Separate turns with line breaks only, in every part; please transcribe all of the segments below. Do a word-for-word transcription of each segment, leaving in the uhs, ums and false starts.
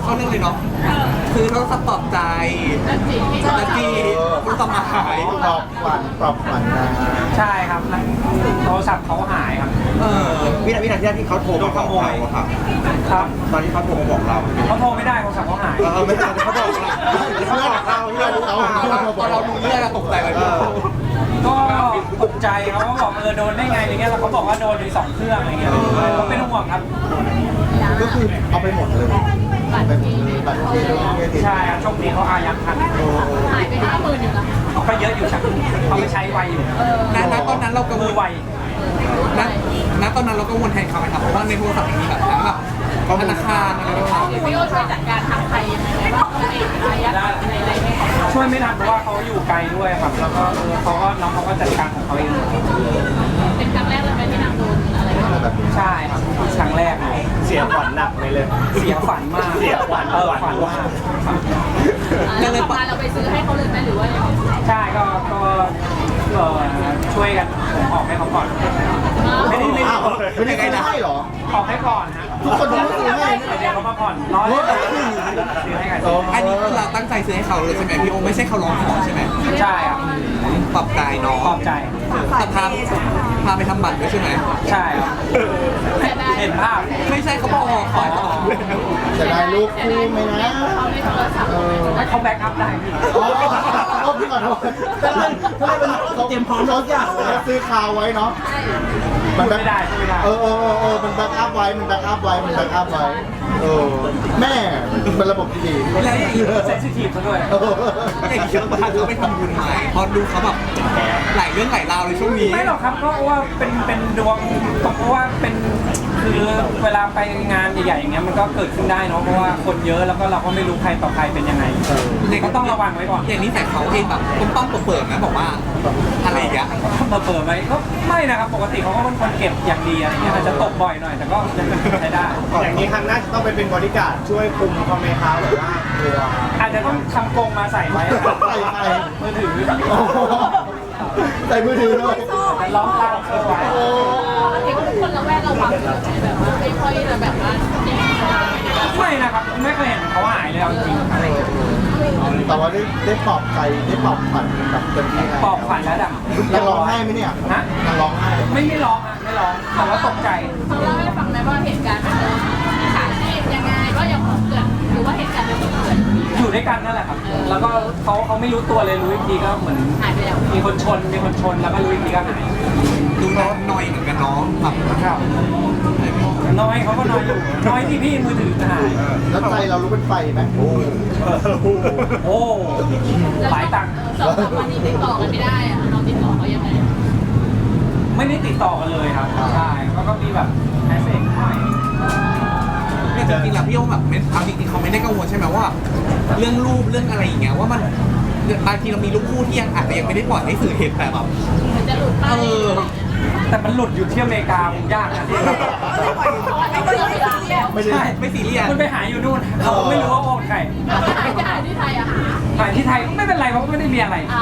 เข้าเรื่องเลยเนาะคือโทรศัพท์ปลอบใจตะกี้คุณสมัย
ปลอบขวัญปลอบขวัญนะ
ใช่ครับแล้วโทรศัพท์เขาหายครับ
เออ
วินาทีนั้นที่เขาโทรมาบอกเราอะค่ะ
ครับ
ตอนที่เขาโทรมาบอกเรา
เขาโทรไม่ได้โทรศัพท์เขาหาย
เออไม่ใช่เขาบอกเราเขาบอกเรา
เพื่อนเขา
ตอนเราดูเรื่องตกใจเลย
ก็ตกใจเขาก็บอกเออโดนได้ไงอะไรเงี้ยแล้วเขาบอกว่าโดนถึงสองเครื่องอะไรเงี้ยเขาเป็นห่วงครับ
ก็คือเอาไปหมดเลยบัตรเครดิตบัตรเครดิต
ใช่ครับโชคดีเขาอายัดทัน
หายไปห้าหมื่นหนึ่งอะ
ก็เยอะอยู่ครับเขาไม่ใช้ไวอยู่
ณณตอนนั้นเรากังว
มือ
ล
ไว
ณณตอนนั้นเรากังวลแทนเขาไหมครับเพราะว่าในโทรศัพท์มีแบบทั้งแบบธนาคารอะไรต่าง
พี่โอช่วยจัดการทางไทยยังไงบ้างในระยะในอะไรเนี่ย
ช่วยไม่ทันเพราะว่าเขาอยู่ไกลด้วยครับแล้วก็เออเขาก็น้องเขาก็จัดการของเขาเอง
เป็นครั้งแรกเลยไหมที่นางโดนอะไรแบบนี้
แบบนี้
ใช่ครับครั้งแรกเลย
เสียขวัญหนักไปเลย
เสียฝันมาก
เสียขวัญ
เออฝันมาก
แล้วต่อมาเราไปซื้อให้เขาเลยไหมหรือว่ายังไง
ใช่ก็ก็เออช่วยกันผมออกให้เขาก่อนไม่ได้ไม่ได้
อ้าวไม่ได้ซื้อให้เหรอ
ออกให้ก่อนฮะ
ทุกคนต้องซื้อให้
เดี๋ยวเขามาผ่อนร้อยซื้อให้กัน
ๆอันนี้คือเราตั้งใจซื้อให้เขาเลยใช่ไหมพี่โอไม่ใช่เขาร้องขอใช่ไหม
ใช่ครับ
ปรับใจน้อง
ปลอบใจ
แต่พาพาไปทำบัตรด้วยใช่ไหม
ใช่ครับ
เสียดาย
เห็นภาพ
ไม่ใช่เขาบอกขอขอ
จะได้ลูกคู่ไหมนะ
เขาในโทรศัพท์
เออ
ให้เขาแบ็กอัพได้พี่
อ๋อโอ้พี่ขอโทษถ้าเป็นถ้าเป็นเตรียมพร้อมทุกอย่างซื้อคาวไว้เนาะ
พูดไม่ได้พูดไม่ได้
เออเออเออเออมันแบ็กอัพไว้ มันแบ็กอัพไว้ มันแบ็กอัพไว้ เออ แม่เป็นระบบที่ดี
แล้วอย่างนี้
เซนซิทีฟซะด้วย
เออ
อย่างนี้เราพาเขาไปทำบุญไหมพอดูเขาแบบหลายเรื่องหลายราวในช่วงนี้
ไม่หรอกครับก็ว่าเป็นเป็นดวงเพราะว่าเป็นคือเวลาไปงานใหญ่ๆอย่างเงี้ยมันก็เกิดขึ้นได้เนาะเพราะว่าคนเยอะแล้วก็เราก็ไม่รู้ใครต่อใครเป็นยังไงก็ต้องระวังไว้ก่อน
อย่างนี้แต่เขาเองแบบต้มต้มเปิดๆนะบอกว่าอะไรอย่างเงี้ย
มาเปิดไหมก็ไม่นะครับปกติเขาก็เป็นคนเก็บอย่างดีอะไรเงี้ยอาจจะตกบ่อยหน่อยแต่ก็ยังใช้ได้
อย่างนี้ครั้งหน้าจะต้องไปเป็นบริการดช่วยคุมเขาไหมคะหรือว่าตัว
อาจจะต้องทำกรงมาใส่ไว้
ใส่ไป
มือถือ
โอ้โหใส่มือถือด้วย
แต่ล้อมเล่าเอาไว้
โอ้
เห็นว่าทุกคนระแวดระวังแบบว่าไม่ค่อยจะแบบว่าเนี่ย
ไม่นะครับไม่เคยเห็นเขาหายเลยเอาจริงอะไร
แต่ว่าได้ได้ปลอบใจ ได้ปลอบขวัญแบบเต็มที่ไง
ปอบขวัญแล้วดัง
ยังร้องไห้ไหมเนี่ย
ฮะ
ยังร้องไห้ไหม
ไม่ไม่ร้องอ่ะไม่ร้องแต่ว่าตกใจ
เขาเล่าให้ฟังไหมว่าเหตุการณ์มันโดนฉากที่ยังไงว่ายังเกิดหรือว่าเหตุการณ์มันเกิด
อยู่ด้วยกันนั่นแหละครับ แล้วก็เขาเขาไม่รู้ตัวเลยรู้อีกทีก็เหมือน
หายไปแล้ว
มีคนชนมีคนชนแล้วก็รู้อีกทีก็หาย
ดูน้อยหน่อยเหมือนกันเน้องแบบ
ครับน้อยเขาก็น้อยอยู่น้อยที่พี่มือถือหาย
แล้วใจเรารู้เป็นไฟไหมโอ้
โอ้หลายตังค์
สองสามวันนี้ติดต่อกันไม่ได้อะเราติดต่อเขายังไง
ไม่ได้ติดต่อกันเลยครับใช่แล้วก็มีแบบแมสเซจหน่อย
เนี่ยจริงๆแล้วพี่โอแบบไม่เอาจริงๆเขาไม่ได้กังวลใช่ไหมว่า เรื่องรูปเรื่องอะไรอย่างเงี้ยว่ามันบางทีเรามีรูปคู่ที่ยังอาจจะยังไม่ได้ปล่อยให้สื่อเห็นแต่แบบ
มันจะหลุดไป
เออ
แต่มันหลุดอยู่ที่อเมริกาผมยากนะที่
ไม่เชื่อไม่ได้แล้ว
ไม่ได้
ใช่
ไม่ซีเรียส
มันไปหาอยู่นู่นเขาไม่รู้ว่าโอนใคร
หายจะหายที่ไทยอะหา
หายที่ไทยก็ไม่เป็นไรเพราะไม่ได้มีอะไร
อ่า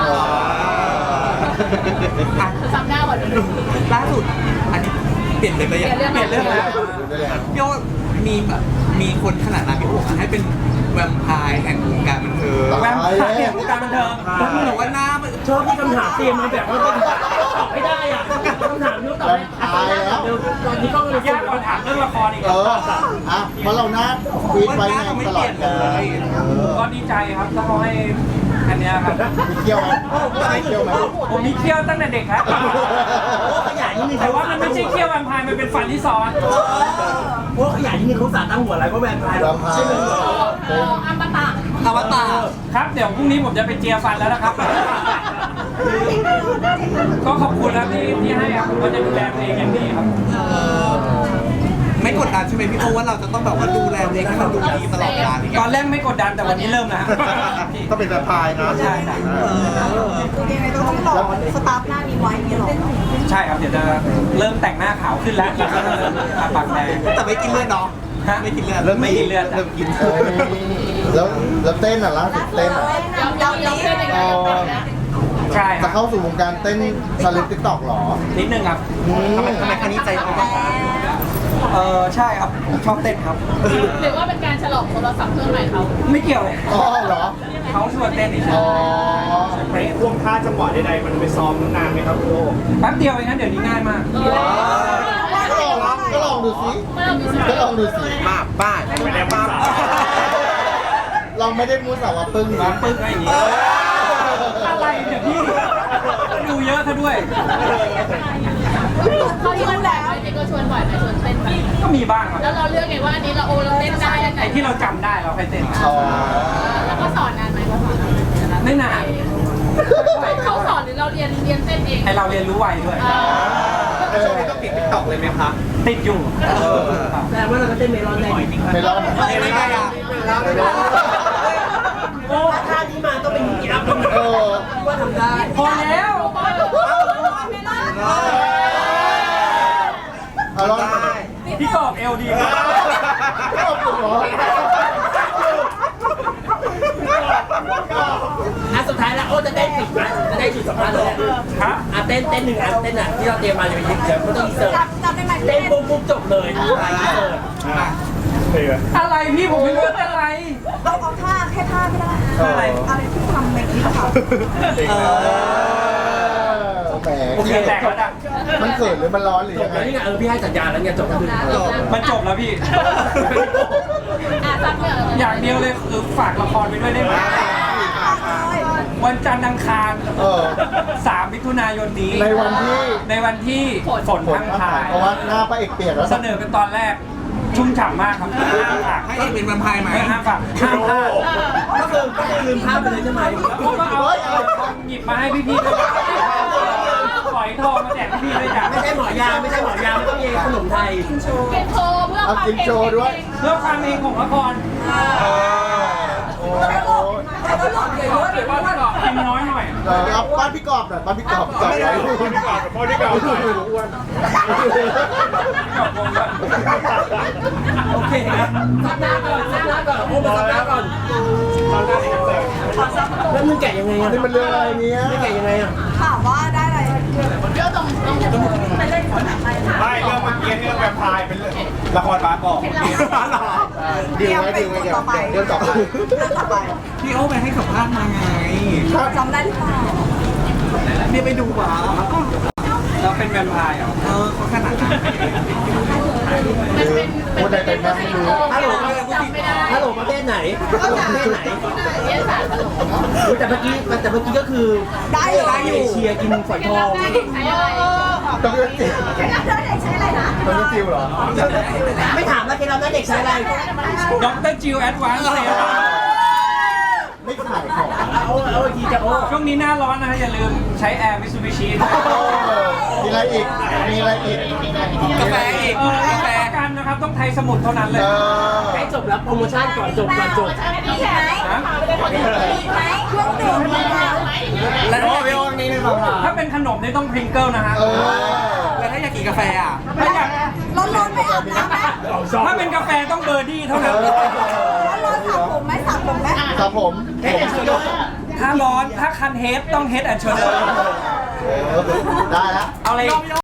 อ่ะ
จำได้ว่าดู
ล่าสุดอันนี้เปลี่ยนเลยไปยัง
เปลี่ยนเรื่อง
เปลี่ยนเรื่องแล้วพี่โอมีแบบมีคนขนาดนั้นพี่โอให้เป็นแวมไพร์แห่งวงการบันเทิง
แวมไพร์วงการบันเทิง
ผมบอกว่าหน้ามัน
ชอบที่คำถามเตรียมมาแบบว่าตอบไม่ได้อ่ะคำถามนี้ตอบไม่
ตายแล้ว
เดี๋ยวตอนนี้ก็เลย
ยากกว่าถามเรื่องละครอีก
เออ อ่ะเพราะเราหน้าฟีดไว้ไงตลอดเลยเออ
ก็ดีใจครับถ้าเขาให้อันเนี้ยครับ
มีเที่ยวไหมมีเที่ยวไหม
ผมมีเขี้ยวตั้งแต่เด็กครับ
โอ้ขยายนิดนึง
แต่ว่ามันไม่ใช่เขี้ยวแวมไพร์มันเป็นฟันที่ซ้อน
โอ้ขยายนิดนึงเขาสาตั้งหัวอะไรก็แวมไพร์
แวมไพร์
ใช่ไหม
เอออมตะ
อวตาร
ครับเดี๋ยวพรุ่งนี้ผมจะไปเจียฟันแล้วนะครับ ก็ขอบคุณนะที่ที่ให้ครับผมก็จะดูแลตัวเองอย่างดีครับ
ไม่กดดันใช่ไหมพี่โอว่าเราจะต้องแบบว่าดูแลตัวเองให้มันดูดีตลอดเวลาอย่าง
ต
เงี้
อย นแรกไม่กดดันแต่วันนี้เริ่มแล้ว
ต้องเป็นแบบพายนะ
ใช่ใช่
ยังไงก็ต้องรอสตาร์ฟหน้านี้ไว้อย่างนี้หรอ
ใช่ครับเดี๋ยวจะเริ่มแต่งหน้าขาวขึ้นแล้วแล้วก็เริ่มทาปากแดง
แต่ไม่กินเลือดเนาะ
ฮะ
ไม่กินเลือด
เริ่มไม่กินเลือด
เริ่มกิน
เอ้ยแล้วแล้วเต้นอ่ะล่าสุดเต้นอ่ะ
ยอมยอมยอมเพื่อนยังไงยอมเพื่อนนะ
ใช่ค
จะ
รับ
เข้าสู่วงการเต้นชาเลนจ์ติ๊กต็อกหรอ
นิดนึงครับ
อืม
ทำไมทำไมครั้งนี้ใจอ่อน
คเออใช่ครับผมชอบเต้นครับ
หรือว่าเป็นการฉลองโทรศัพท์เครื่องใหม่เขา
ไม่เกี่ยวเลย
อ๋อเหรอ
เขาชวนเต้นอีก
อ๋อ
ในท่วงท่าจังหวะใดๆมันไปซ้อมนานไหมครับคุณโอ
แป๊บเดียวเองนะเดี๋ยวนี้ง่ายมาก
ก็ลองก็ลองดูสิ
เมื่อเรามีส
ก็ลองดูสิ
มาบ้าน
ไม่ได้มา
ลองไม่ได้มูสาวะปึ้งนะ
ปึ้งอะไรอย่างงี้อะไรเดี๋ยวพี่ดูเยอะซะด้วย
เขาชวนแล้วจริงก็ชวนบ่อยไหมชวนเต้นไหม
ก็มีบ้างครับ
แล้วเราเลือกไงว่าอันนี้เราโอเราเต้นได้อันไหน
ไอ้ที่เราจำได้เราไปเต้น
อ๋อ
แล้วก็สอนนานไหมเขาสอนนานไหม
ไม่นาน
เขาสอนหรือเราเรียนเรียนเต้นเอง
ไอเราเรียนรู้ไวด้วย
เออ
ต้องติดติ๊กต็อกเลยไหมคะ
ติดอยู่
แต่ว่าเราก็เต้นเมลอนได้
ไม่รอด
ไม่ไม่ได้อะ
ไม่รอด
โอ้ท่านี้มาต้องเป็นยีราฟต้อง
เออ
ว่าทำได้
พอแล้ว
เอาลอง
พี่กอบเอลดีมาก
ไม่เอาปุ๊บเหรอ
อ่ะสุดท้ายแล้วโอ้จะได้ปิดนะจะได้จุดสำคัญเลย
ฮะ
อ่ะเต้นเต้นหนึ่งอันเต้นอ่ะที่เราเตรียมมาจะไปยิงเดี๋ยวไม่ต้องอินเสิร์ต
จำได้ไหม
เต้นปุ๊บปุ๊บจบเลยถ่ายอินเสิร์ต
อะไรพี่ผมไม่รู้เป็นอะไร
เราเอาท่าแค่ท่าก็ได้
อะไร
อะไรที่ทำในคลิปค่ะ
เออแหม
โอเคแตกแล้วจ้ะ
มันเขินหรือมันร้อนหรือ
จ
ยั
บ
งไง
แล้วนี่ไงเออพี่ให้สัญญาณแล้วไงจบแล้วคือ
มันจบแล้วพี่
อ่ะซักเรื่อง
อย่างเดียวเลยคือฝากละครไปด้วยได้ไหมวันจันทร์อังคาร
เออ
สามมิถุนายนนี้
ในวันที่
ในวันที่ฝน
ฝน
พัง
พัง
พา
ผ่าน
ย
เพราะว่าหน้าพระเอกเปียกแล้ว
เสนอเป็นตอนแรก ชุ่มฉ่ำมากครับห้ามฝาก
ให้เอกเป็นแวมไพร์ไหม
ไม่ห้ามฝากห้ามพลาด
ก็คือก็คือลืมภาพไปเลยใช่ไหม
ผมก็เอาหยิบมาให้พี่ๆด้วยฝอยทองมาแจกพี่ๆด้วยจ้ะ
ไม่ใช่หมอยาไม่ใช่หมอยาไม่ต้องมีขนมไทย
เก็บโชว์เพื่อค
เอา
วาม
กินโชว์ด้วย
เพื่อความเองของละคร
โอ้
แล้วหลอกเยอะเดี๋ยวว่า
ก็กินน้อยหน่อย
เออเอาบ้านพี่กอบหน่อยบ้านพี่กอบจอดไว้
พอที่เก่าหน่อยอ้วน
จบวงก่อน
โอเคนะซับหน้าก่อนซับหน้าก่อนโอ้มาซับหน้าก่อนแล้วมึงแกะยังไงอ่ะ
นี่มันเรื่องอะไรเนี่ย
ไม่แกะยังไงอ่ะ
ถามว่าได้อะไร
เรื่องตรงตรงไปเล่นคนไหน
ไม่เรื่องเมื่อกี้เรื่องแวมไพร์เป็นเรื่องละครบาสบอก
ดีไหมดีไหมเดี๋ยวเดี๋ยวต่อไป
เรื่องต่อไป
พี่โอ้ไปให้สัมภาษณ์มาไง
จำได้หรือเปล่า
เนี่ยไปดูมา
เราเป็นแวมไพร์เหรอ
เออเขาขนาดนั้น
มันเป็น
พูดใดเป็นแม่ไม่รู้
ฮัลโหล
จำไม่ได้
ฮัลโหลประเทศไหนฮัลโหลประเทศไหน
เรียนศาสตร์ตลก
อุ๊ยแต่เมื่อกี้แต่เมื่อกี้ก็คือ
ได้อยู่
ได้อยู่เชียร์กินฝอยทอง
ได้เด็กใช้อะไร
ต้องเลือกจิว
ได้เด็กใช้อะไรนะ
ต้องเลือกจิวเหรอ
ไม่ถามแล้วเคล็ดลับหน้าเด็กใช้อะไร
ด็อกเตอร์จิวแอดวานซ์เซรั่ม
ไม่ขายของ
เอาเอาอีกทีจะโอ้
ช่วงนี้หน้าร้อนนะฮะอย่าลืมใช้แอร์มิซูบิชิด้วย
มีอะไรอีก มีอะไรอีก
กาแฟอีก
เออกาแฟกันนะครับต้องไทยสมุทรเท่านั้นเลย
เออ
ใกล้จบแล้วโปรโมชั่นก่อนจบก่อนจบ
มีไหม
นะ
มีไหมเครื่องดื่มมีไหม
แล้วถ้าพี่โอ้นี่เลยมา
ถ้าเป็นขนมนี่ต้องพริงเกิลนะฮะ
เออ
แล้วถ้าอยากกินกาแฟอ่ะ
ถ้าอยาก
ร้อนๆไปอาบน้ำไหม
ถ้าเป็นกาแฟต้องเบอร์ดี้เท่า
เอ
นั้น
อ
ร้อนๆสระผมไหมสระผมไหม
ครับผม
เอ๊ะเชียร์
ถ้าร้อนถ้าคันเฮดต้องเฮดแอนด์โชเดอร์
เออได้แล้ว
เอาอะไร